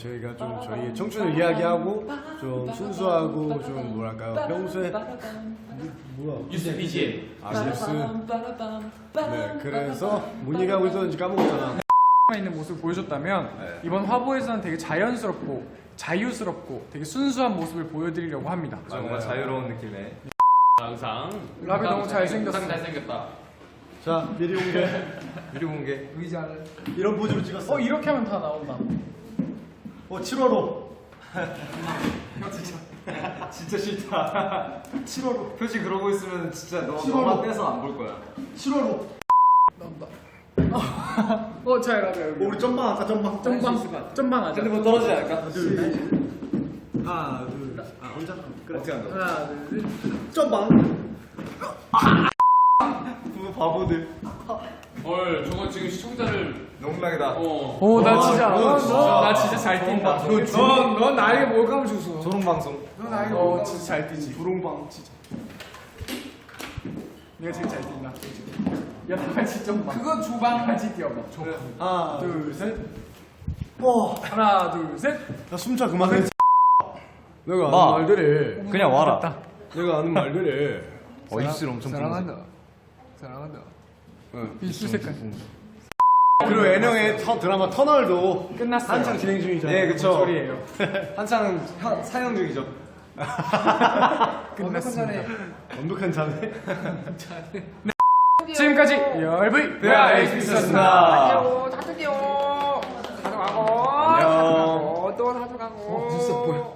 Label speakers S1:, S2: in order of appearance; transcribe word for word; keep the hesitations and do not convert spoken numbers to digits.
S1: 저희가 좀 저희의 청춘을 이야기하고 좀 순수하고 좀 뭐랄까요 평소에 뭐야
S2: 뉴스 비지엠.
S1: 아 뉴스 네 그래서 뭔 얘기하고 있었는지 까먹었잖아.
S3: 있는 모습을 보여줬다면
S1: 네.
S3: 이번 화보에서는 되게 자연스럽고 자유스럽고 되게 순수한 모습을 보여드리려고 합니다.
S4: 뭔가 자유로운 느낌의
S2: 항상
S3: 라비 너무 잘생겼어.
S2: 항상 잘생겼다.
S1: 자 미리 공개
S4: 미리 공개.
S3: 의자를
S1: 이런 포즈로 찍었어.
S3: 어 이렇게 하면 다 나온다.
S1: 어 칠월호
S4: 진짜 싫다.
S1: 칠월호
S4: 표지 그러고 있으면 진짜 너
S1: 싫어.
S4: 너만 떼서 안 볼 거야.
S1: 칠월호.
S3: 나온다. 어, 잘 라비 여기.
S1: 우리 점방 할까 점방
S3: 점방 점방 하자.
S4: 핸드폰 떨어지지 않을까?
S1: 하나 둘 하나 둘아 혼자 그래
S4: 어떻게 한다?
S3: 하나 둘 셋.
S1: 점방.
S4: 그 바보들.
S2: 헐, 저거 지금 시청자를
S4: 농락이다.
S2: 어.
S3: 오, 나
S1: 와,
S3: 진짜,
S1: 너
S3: 너,
S1: 진짜.
S3: 너, 나 진짜 잘 뛴다.
S4: 너 주-
S3: 넌, 넌 나에게 뭘감 주소.
S4: 소름 방송.
S3: 넌 나에게 어, 진짜 잘 뛰지.
S1: 부롱방
S3: 진짜. 내가 제일 잘 뛴다. 야, 다 같이 좀 봐. 그건 주방 같이 뛰어봐. 줘.
S1: 하나 둘셋 와.
S3: 하나, 둘, 셋.
S1: 야 숨차 그만해. 내가
S4: 마.
S1: 아는 말들이
S4: 그냥 와라.
S3: 됐다.
S1: 내가 아는 말들이
S4: 어 입술 엄청
S3: 사랑한다. 사랑한다.
S1: 응.
S3: 입술 색깔.
S1: 그리고 애령의 터, 드라마 터널도
S3: 끝났어요.
S1: 한창 진행 중이잖아요.
S4: 네, 그쵸.
S3: 소리예요.
S4: 한창 현- 사형 중이죠.
S3: 끝났습니다.
S1: 완벽한 자네.
S3: 지금까지 열브이
S4: 베아엑스였습니다.
S3: 안녕. 다들 가져가고.
S4: 안녕.
S3: 또 가져가고. 어, 진짜 뭐야?